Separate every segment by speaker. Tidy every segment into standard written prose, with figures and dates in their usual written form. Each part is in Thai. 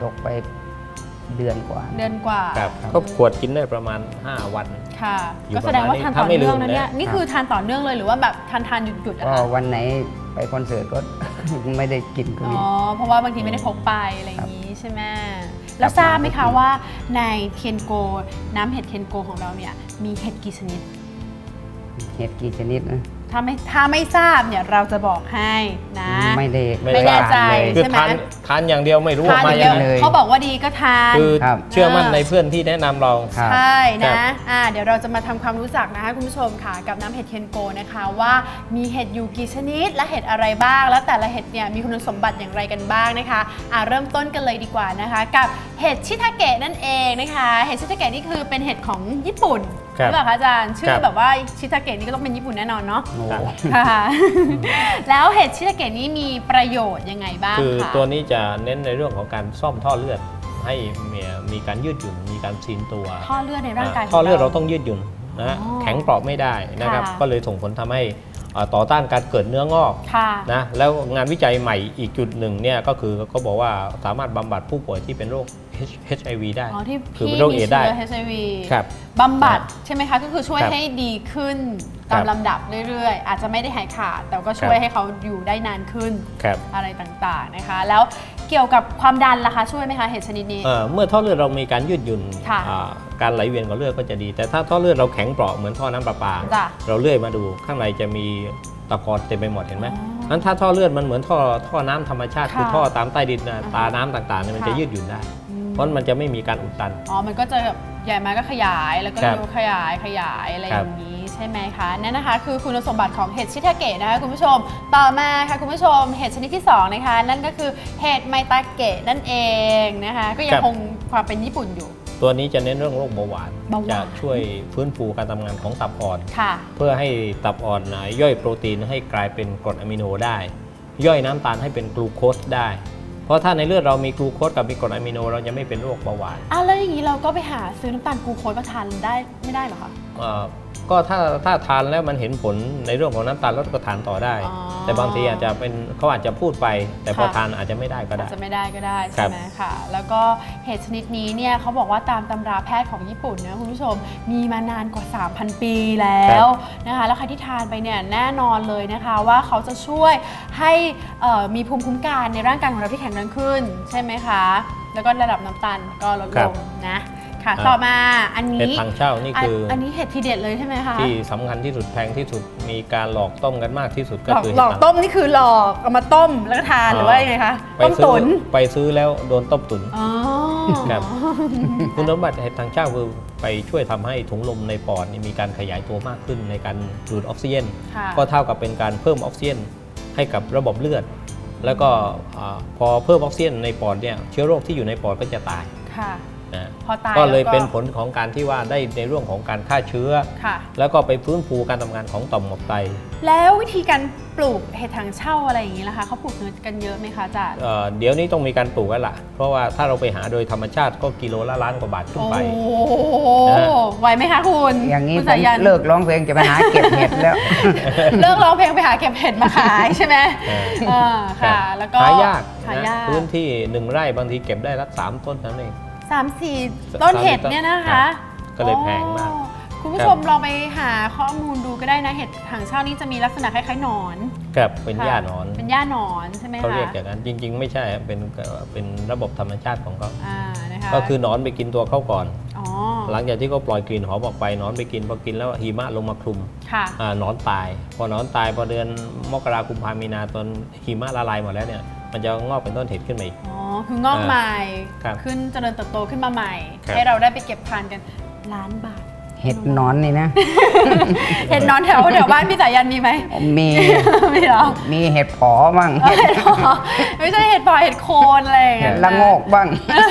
Speaker 1: ตกไปเดือนกว่า
Speaker 2: ครับก็ขวดกินได้ประมาณ5 วัน
Speaker 3: ค่ะก็แสดงว่าทานต่อเนื่องนะเนี่ยนี่คือทานต่อเนื่องเลยหรือว่าแบบทานหยุด
Speaker 1: ก็วันไหนไปคอนเสิร์ตก็ ไม่ได้กินก็มี
Speaker 3: เพราะว่าบางทีไม่ได้พกไปอะไรอย่างนี้ใช่ไหมแล้วทราบไหมคะว่าในเทียนโกน้ำเห็ดเทียนโกของเราเนี่ยมีเห็ดกี่ชนิด
Speaker 1: เห็ดกี่ชนิดนะ
Speaker 3: ถ้าไม่ทราบเนี่ยเราจะบอกให้นะ
Speaker 1: ไม่
Speaker 3: แน่ใจ
Speaker 2: ใช่ไหมทานอย่างเดียวไม่รู้ว่ามาอย่างไร
Speaker 3: เขาบอกว่าดีก็ทาน
Speaker 2: คือเชื่อมั่นในเพื่อนที่แนะนำเรา
Speaker 3: ใช่นะเดี๋ยวเราจะมาทำความรู้จักนะคะคุณผู้ชมค่ะกับน้ำเห็ดเทียนโกนะคะว่ามีเห็ดอยู่กี่ชนิดและเห็ดอะไรบ้างแล้วแต่ละเห็ดเนี่ยมีคุณสมบัติอย่างไรกันบ้างนะคะเริ่มต้นกันเลยดีกว่านะคะกับเห็ดชิทาเกะนั่นเองนะคะเห็ดชิทาเกะนี่คือเป็นเห็ดของญี่ปุ่นใช่ไหมคะอาจารย์ชื่อแบบว่าชิทาเกะนี่ก็ต้องเป็นญี่ปุ่นแน่นอนเนาะค่ะแล้วเห็ดชิทาเกะนี้มีประโยชน์ยังไงบ้าง
Speaker 2: คือตัวนี้จะเน้นในเรื่องของการซ่อมท่อเลือดให้มีการยืดหยุ่นมีการซีนตัว
Speaker 3: ท่อเลือดในร่างกาย
Speaker 2: ท่อเลือดเราต้องยืดหยุ่นนะแข็งเปราะไม่ได้นะครับก็เลยส่งผลทำให้ต่อต้านการเกิดเนื้องอกนะแล้วงานวิจัยใหม่อีกจุดหนึ่งเนี่ยก็คือเขาบอกว่าสามารถบำบัดผู้ป่วยที่เป็นโรค HIV ได้
Speaker 3: คือเป็นโรคเอดส์ได้ HIV บำบัดใช่ไหมคะก็คือช่วยให้ดีขึ้นตามลำดับเรื่อยๆอาจจะไม่ได้หายขาดแต่ก็ช่วยให้เขาอยู่ได้นานขึ้นอะไรต่างๆนะคะแล้วเกี่ยวกับความดันล่ะคะช่วยไหมคะเห็ดชนิดนี้
Speaker 2: เมื่อท่อเลือดเรามีการยืดหยุ่นการไหลเวียนของเลือดก็จะดีแต่ถ้าท่อเลือดเราแข็งเปราะเหมือนท่อน้ำประปาเราเลื่อยมาดูข้างในจะมีตะกอนเต็มไปหมดเห็นไหมนั้นถ้าท่อเลือดมันเหมือนท่อน้ำธรรมชาติคือท่อตามใต้ดินตาน้ำต่างๆมันจะยืดหยุ่นได้เพราะมันจะไม่มีการอุดตัน
Speaker 3: มันก็จะแบบใหญ่มาก็ขยายแล้วก็ขยายอะไรอย่างนี้ใช่ไหมคะนั่นนะคะคือคุณสมบัติของเห็ดชิทาเกะนะคะคุณผู้ชมต่อมาค่ะคุณผู้ชมเห็ดชนิดที่2นะคะนั่นก็คือเห็ดไมตาเกะนั่นเองนะคะก็ยังคงความเป็นญี่ปุ่นอยู่
Speaker 2: ตัวนี้จะเน้นเรื่องโรคเบาหวานจะช่วยฟื้นฟูการทำงานของตับอ่อนเพื่อให้ตับอ่อนย่อยโปรตีนให้กลายเป็นกรดอะมิโนได้ย่อยน้ำตาลให้เป็นกลูโคสได้เพราะถ้าในเลือดเรามีกลูโคสกับมีกรดอะมิโนเราจะไม่เป็นโรคเบาหวาน
Speaker 3: แล้วอย่างนี้เราก็ไปหาซื้อน้ำตาลกลูโคสมาทานได้ไม่ได้เหรอคะ
Speaker 2: ก็ถ้าทานแล้วมันเห็นผลในเรื่องของน้ำตาลลดก็ทานต่อได้แต่บางทีอาจจะเป็นเขาอาจจะพูดไปแต่พอทานอาจจะไม่ได้ก็ได้
Speaker 3: อาจจะไม่ได้ก็ได้ใช่ไหมค่ะแล้วก็เห็ดชนิดนี้เนี่ยเขาบอกว่าตามตำราแพทย์ของญี่ปุ่นนะคุณผู้ชมมีมานานกว่า 3,000 ปีแล้วนะคะแล้วใครที่ทานไปเนี่ยแน่นอนเลยนะคะว่าเขาจะช่วยให้มีภูมิคุ้มกันในร่างกายของเราที่แข็งแรงขึ้นใช่ไหมคะแล้วก็ระดับน้ำตาลก็ลดลงนะค่ะต่อมาอันนี้
Speaker 2: เห็ดถังเช่านี่คือ
Speaker 3: อันนี้เห็ดทีเด็ดเลยใช่ไหมคะ
Speaker 2: ที่สำคัญที่สุดแพงที่สุดมีการหลอกต้มกันมากที่สุดก็คือ
Speaker 3: หลอกต้มนี่คือหลอกเอามาต้มแล้วก็ทานหรือว่ายังไงคะต้มตุ๋น
Speaker 2: ไปซื้อแล้วโดนต้มตุ๋นครับคุณสมบัติเห็ดถังเช่าคือไปช่วยทำให้ถุงลมในปอดมีการขยายตัวมากขึ้นในการดูดออกซิเจนก็เท่ากับเป็นการเพิ่มออกซิเจนให้กับระบบเลือดแล้วก็พอเพิ่มออกซิเจนในปอดเนี่ยเชื้อโรคที่อยู่ในปอดก็จะตายก็เลยเป็นผลของการที่ว่าได้ในเรื่องของการฆ่าเชื้อแล้วก็ไปฟื้นฟูการทำงานของต่อมหมวกไต
Speaker 3: แล้ววิธีการปลูกเห็ดถังเช่าอะไรอย่างนี้ล่ะคะเขาปลูกกันเยอะไหมคะอาจารย์
Speaker 2: เดี๋ยวนี้ต้องมีการปลูกแล้วล่ะเพราะว่าถ้าเราไปหาโดยธรรมชาติก็กิโลละ1,000,000 กว่าบาทขึ้นไป
Speaker 3: โอ้ไหวไหมคะคุณ
Speaker 1: อย่างนี้ผมเลิกร้องเพลงจะไปหาเก็บเห็ดแล้ว
Speaker 3: เลิกร้องเพลงไปหาเก็บเห็ดมาขายใช่ไหมค่ะแล้วก็
Speaker 2: หายากพื้นที่1 ไร่บางทีเก็บได้ละ3 ต้นนั่นเอง
Speaker 3: 3-4 ต้นเห็ดเนี่ยนะคะ
Speaker 2: ก็เลยแพงมาก
Speaker 3: คุณผู้ชมลองไปหาข้อมูลดูก็ได้นะเห็ดถังเช่านี่จะมีลักษณะคล้ายๆหนอน
Speaker 2: ครับเป็นหญ้าหนอน
Speaker 3: เป็นหญ้าหนอนใช่ไหมคะ
Speaker 2: เขาเรียกอย่างนั้นจริงๆไม่ใช่เป็นระบบธรรมชาติของเขาก็คือหนอนไปกินตัวเขาก่อนหลังจากที่เขาปล่อยกลิ่นหอมออกไปหนอนไปกินพอกินแล้วหิมะลงมาคลุมหนอนตายพอหนอนตายพอเดือนมกราคมกุมภาพันธ์มีนาตอนหิมะละลายหมดแล้วเนี่ยมันจะงอกเป็นต้นเห็ดขึ้นมาอีก
Speaker 3: คืองอกใหม่ขึ้นเจริญเติบโตขึ้นมาใหม่ให้เราได้ไปเก็บทานกัน1,000,000 บาท
Speaker 1: เห็ดนอนนี่นะ
Speaker 3: เห็ดนอนแถวบ้านพี่สายันมีไหม
Speaker 1: มี
Speaker 3: เหรอ
Speaker 1: มีเห็ดผอบ้าง
Speaker 3: ไม่ใช่เห็ดผอเห็ดโคนอะไรอย่างเงี้ย
Speaker 1: ละโงกบ้าง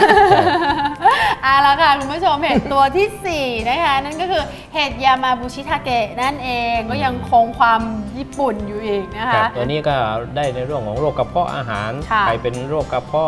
Speaker 3: แล้วค่ะคุณผู้ชมเห็ดตัวที่4นะคะนั่นก็คือเห็ดยามาบุชิทาเกะนั่นเองก็ยังคงความญี่ปุ่นอยู่อีกนะคะ
Speaker 2: ตัวนี้ก็ได้ในเรื่องของโรคกระเพาะอาหารใครเป็นโรคกระเพาะ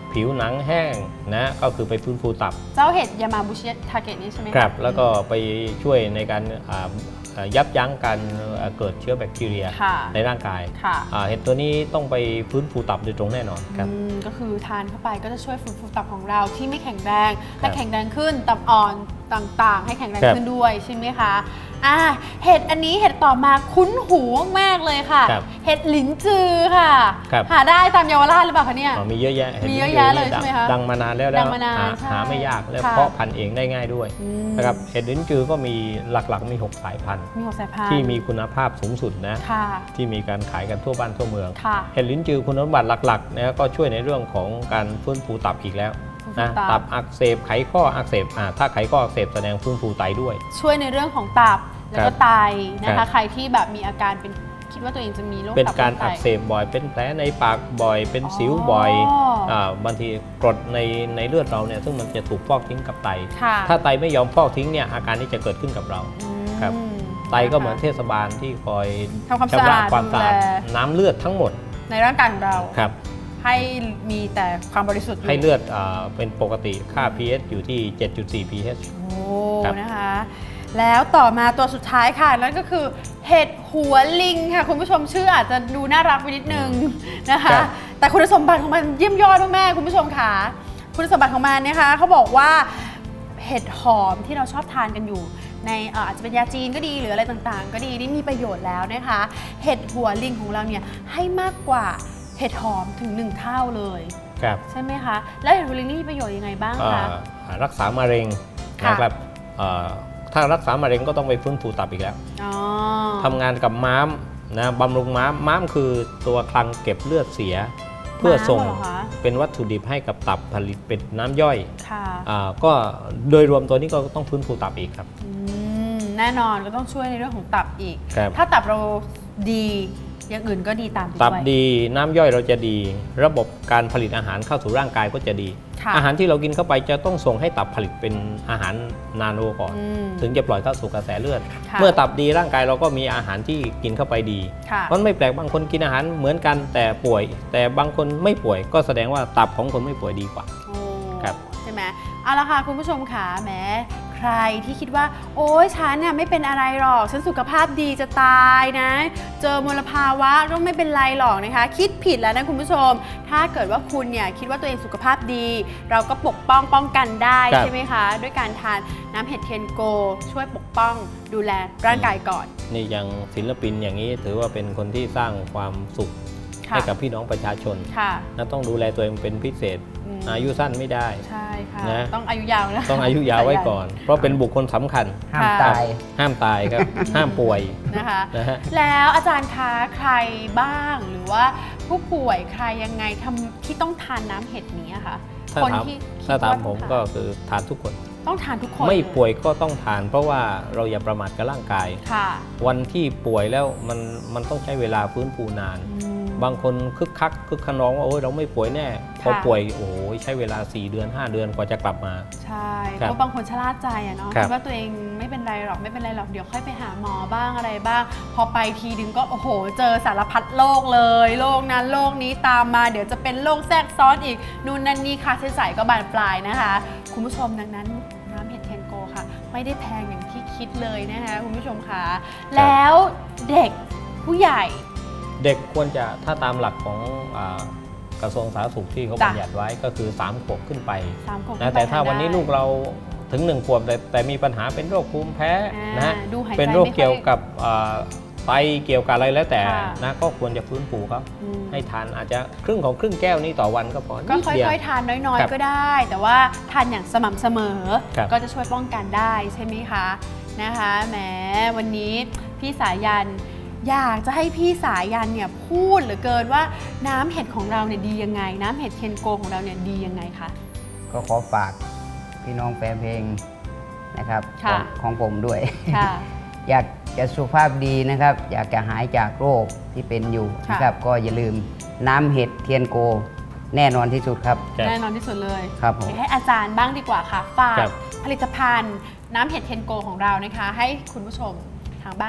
Speaker 2: ผิวหนังแห้งนะก็คือไปฟื้นฟูตับ
Speaker 3: เจ้าเห็ดยามาบุชิทาเกะนี่ใช่ไหม
Speaker 2: ครับแล้วก็ไปช่วยในการยับยั้งการเกิดเชื้อแบคทีเรีย
Speaker 3: ค่ะ
Speaker 2: ในร่างกาย
Speaker 3: ค่ะ
Speaker 2: เห็ดตัวนี้ต้องไปฟื้นฟูตับโดยตรงแน่นอนครับ
Speaker 3: ก็คือทานเข้าไปก็จะช่วยฟื้นฟูตับของเราที่ไม่แข็งแรงและแข็งแรงขึ้นตับอ่อนต่างๆ ให้แข็งแรงขึ้นด้วยใช่ไหมคะเห็ดอันนี้เห็ดต่อมาคุ้นหูมากเลยค่ะ เห็ดหลินจือค่ะหาได้ตามเยาวราชหรือเปล่าคะเนี่ย
Speaker 2: มีเยอะแยะ
Speaker 3: มีเยอะแยะเลยใช่ไหมคะ
Speaker 2: ดังมานานแล้วหาไม่ยากและเพาะพันธุ์เองได้ง่ายด้วยนะครับเห็ดหลินจือก็มีหลักๆมี6 สายพันธุ์ที่มีคุณภาพสูงสุดนะที่มีการขายกันทั่วบ้านทั่วเมืองเห็ดหลินจือคุณสมบัติหลักๆนะก็ช่วยในเรื่องของการฟื้นฟูตับอีกแล้วนะตับอักเสบไขข้ออักเสบถ้าไขข้ออักเสบแสดงฟื้นฟูไตด้วย
Speaker 3: ช่วยในเรื่องของตับแล้วก็ไตนะคะใครที่แบบมีอาการเป็นคิดว่าตัวเองจะมีโรคตับ
Speaker 2: เป็นการอักเสบบ่อยเป็นแผลในปากบ่อยเป็นสิวบ่อยบางทีกรดในเลือดเราเนี่ยซึ่งมันจะถูกฟอกทิ้งกับไตถ้าไตไม่ยอมฟอกทิ้งเนี่ยอาการนี้จะเกิดขึ้นกับเราครับไตก็เหมือนเทศบาลที่คอย
Speaker 3: ชำระ
Speaker 2: ความสะอาดน้ำเลือดทั้งหมด
Speaker 3: ในร่างกายของเรา
Speaker 2: ครับ
Speaker 3: ให้มีแต่ความบริสุทธิ์
Speaker 2: ให้เลือดเป็นปกติค่า pH อยู่ที่ 7.4 pH
Speaker 3: โอ้นะคะแล้วต่อมาตัวสุดท้ายค่ะนั่นก็คือเห็ดหัวลิงค่ะคุณผู้ชมชื่ออาจจะดูน่ารักไปนิดนึงนะคะแต่คุณสมบัติของมันเยี่ยมยอดมากๆคุณผู้ชมค่ะคุณสมบัติของมันนะคะเขาบอกว่าเห็ดหอมที่เราชอบทานกันอยู่ในอาจจะเป็นยาจีนก็ดีหรืออะไรต่างๆก็ดีนี่มีประโยชน์แล้วนะคะเห็ดหัวลิงของเราเนี่ยให้มากกว่าเห็ดหอมถึง1 เท่าเลยใช่ไหมคะแล้วเห็ดหัวลิงนี่มีประโยชน์ยังไงบ้างคะ
Speaker 2: รักษามะเร็งนะครับถ้ารักษามะเร็งก็ต้องไปฟื้นฟูตับอีกแล้วทำงานกับม้ามนะบำรุงม้ามคือตัวคลังเก็บเลือดเสียเพื่อส่งเป็นวัตถุดิบให้กับตับผลิตเป็นน้ำย่อยก็โดยรวมตัวนี้ก็ต้องฟื้นฟูตับอีกครับ
Speaker 3: แน่นอนก็ต้องช่วยในเรื่องของตับอีกถ้าตับเราดีอย่างอื่นก็ดีตามไปด้วย
Speaker 2: ตับดีน้ำย่อยเราจะดีระบบการผลิตอาหารเข้าสู่ร่างกายก็จะดีอาหารที่เรากินเข้าไปจะต้องส่งให้ตับผลิตเป็นอาหารนาโนก่อนถึงจะปล่อยเข้าสู่กระแสเลือดเมื่อตับดีร่างกายเราก็มีอาหารที่กินเข้าไปดีมันไม่แปลกบางคนกินอาหารเหมือนกันแต่ป่วยแต่บางคนไม่ป่วยก็แสดงว่าตับของคนไม่ป่วยดีกว่า
Speaker 3: ครับใช่ไหมเอาละค่ะคุณผู้ชมค่ะแม้ใครที่คิดว่าโอ๊ยฉันเนี่ยไม่เป็นอะไรหรอกฉันสุขภาพดีจะตายนะเจอมลภาวะก็ไม่เป็นไรหรอกนะคะคิดผิดแล้วนะคุณผู้ชมถ้าเกิดว่าคุณเนี่ยคิดว่าตัวเองสุขภาพดีเราก็ปกป้องกันได้ใช่ไหมคะด้วยการทานน้ำเห็ดเทียนโกช่วยปกป้องดูแลร่างกายก่อน
Speaker 2: นี่อย่างศิลปินอย่างนี้ถือว่าเป็นคนที่สร้างความสุขให้กับพี่น้องประชาชนและต้องดูแลตัวเองเป็นพิเศษอายุสั้นไม่ได้
Speaker 3: ใช่ค่ะต้องอายุยาวนะ
Speaker 2: ต้องอายุยาวไว้ก่อนเพราะเป็นบุคคลสำคัญ
Speaker 1: ห้ามตาย
Speaker 2: ครับห้ามป่วย
Speaker 3: นะคะแล้วอาจารย์คะใครบ้างหรือว่าผู้ป่วยใครยังไงที่ต้องทานน้ำเห็ดนี้คะ
Speaker 2: ถ้าถามผมก็คือทานทุกคน
Speaker 3: ต้องทานทุกคน
Speaker 2: ไม่ป่วยก็ต้องทานเพราะว่าเราอย่าประมาทกับร่างกายวันที่ป่วยแล้วมันต้องใช้เวลาฟื้นฟูนานบางคนคึกขนองว่าโอ้ยเราไม่ป่วยแน่พอป่วยโอ้ยใช้เวลา4 เดือน 5 เดือนกว่าจะกลับมา
Speaker 3: ใช่เพราะบางคนชะล่าใจเนาะคิดว่าตัวเองไม่เป็นไรหรอกเดี๋ยวค่อยไปหาหมอบ้างอะไรบ้างพอไปทีนึงก็โอ้โหเจอสารพัดโรคเลยโรคนั้นโรคนี้ตามมาเดี๋ยวจะเป็นโรคแทรกซ้อนอีกนู่นนั่นนี่ค่าใช้จ่ายก็บานปลายนะคะคุณผู้ชมดังนั้นน้ำเห็ดเทียนโกค่ะไม่ได้แพงอย่างที่คิดเลยนะคะคุณผู้ชมคะแล้วเด็กผู้ใหญ่
Speaker 2: เด็กควรจะถ้าตามหลักของกระทรวงสาธารณสุขที่เขาบัญญัติไว้ก็คือ3 ขวบขึ้นไปนะแต่ถ้าวันนี้ลูกเราถึง1 ขวบแต่มีปัญหาเป็นโรคภูมิแพ้นะเป็นโรคเกี่ยวกับไตเกี่ยวกับอะไรแล้วแต่นะก็ควรจะฟื้นฟูครับให้ทานอาจจะครึ่งแก้วนี้ต่อวันก็พอ
Speaker 3: ก็ค่อยๆทานน้อยๆก็ได้แต่ว่าทานอย่างสม่ำเสมอก็จะช่วยป้องกันได้ใช่ไหมคะนะคะแหมวันนี้พี่สายันอยากจะให้พี่สายันเนี่ยพูดเหลือเกินว่าน้ำเห็ดของเราเนี่ยดียังไงน้ำเห็ดเทียนโกของเราเนี่ยดียังไงคะ
Speaker 1: ก็ขอฝากพี่น้องแฟนเพลงนะครับของผมด้วยอยากจะสุขภาพดีนะครับอยากจะหายจากโรคที่เป็นอยู่นะครับก็อย่าลืมน้ำเห็ดเทียนโกแน่นอนที่สุดครับ
Speaker 3: แน่นอนที่สุดเลย
Speaker 1: ครับผม
Speaker 3: ให้อาจารย์บ้างดีกว่าค่ะฝากผลิตภัณฑ์น้ำเห็ดเทียนโกของเรานะคะให้คุณผู้ชมทางบ้านสักหน่อย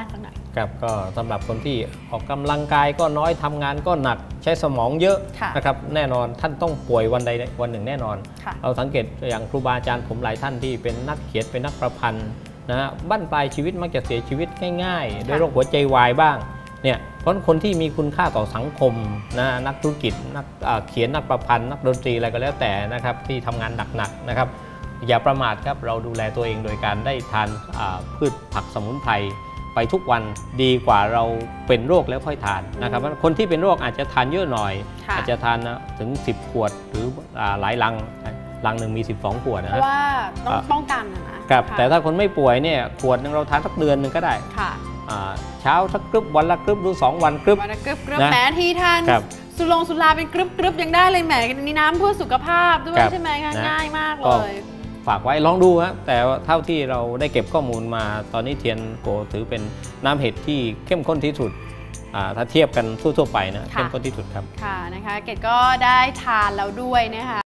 Speaker 2: ครับก็สำหรับคนที่ออกกำลังกายก็น้อยทำงานก็หนักใช้สมองเยอะนะครับแน่นอนท่านต้องป่วยวันใดวันหนึ่งแน่นอนเราสังเกตอย่างครูบาอาจารย์ผมหลายท่านที่เป็นนักเขียนเป็นนักประพันธ์นะฮะบั้นปลายชีวิตมักจะเสียชีวิตง่ายๆด้วยโรคหัวใจวายบ้างเนี่ยเพราะคนที่มีคุณค่าต่อสังคมนะนักธุรกิจนักเขียนนักประพันธ์นักดนตรีอะไรก็แล้วแต่นะครับที่ทำงานหนักๆนะครับอย่าประมาทครับเราดูแลตัวเองโดยการได้ทานพืชผักสมุนไพรไปทุกวันดีกว่าเราเป็นโรคแล้วค่อยทานนะครับคนที่เป็นโรคอาจจะทานเยอะหน่อยอาจจะทานถึง10 ขวดหรือหลายลังหนึ่งมี12 ขวดนะเพราะ
Speaker 3: ว่าต้องป้องกัน
Speaker 2: นะครับแต่ถ้าคนไม่ป่วยเนี่ยขวดนึงเราทานสักเดือนนึงก็ได้เช้าสักกรึบวันละกรึบหรือ2 วันกรึบ
Speaker 3: วันละกรึบแหมทีทานสุราเป็นกรึบยังได้เลยแหมมีน้ำเพื่อสุขภาพด้วยใช่ไหมคะง่ายมากเลย
Speaker 2: ฝากไว้ลองดูฮะแต่เท่าที่เราได้เก็บข้อมูลมาตอนนี้เทียนโกถือเป็นน้ำเห็ดที่เข้มข้นที่สุดถ้าเทียบกันทั่วๆไปนะเข้มข้นที่สุดครับ
Speaker 3: ค่ะนะคะเกดก็ได้ทานแล้วด้วยนะคะ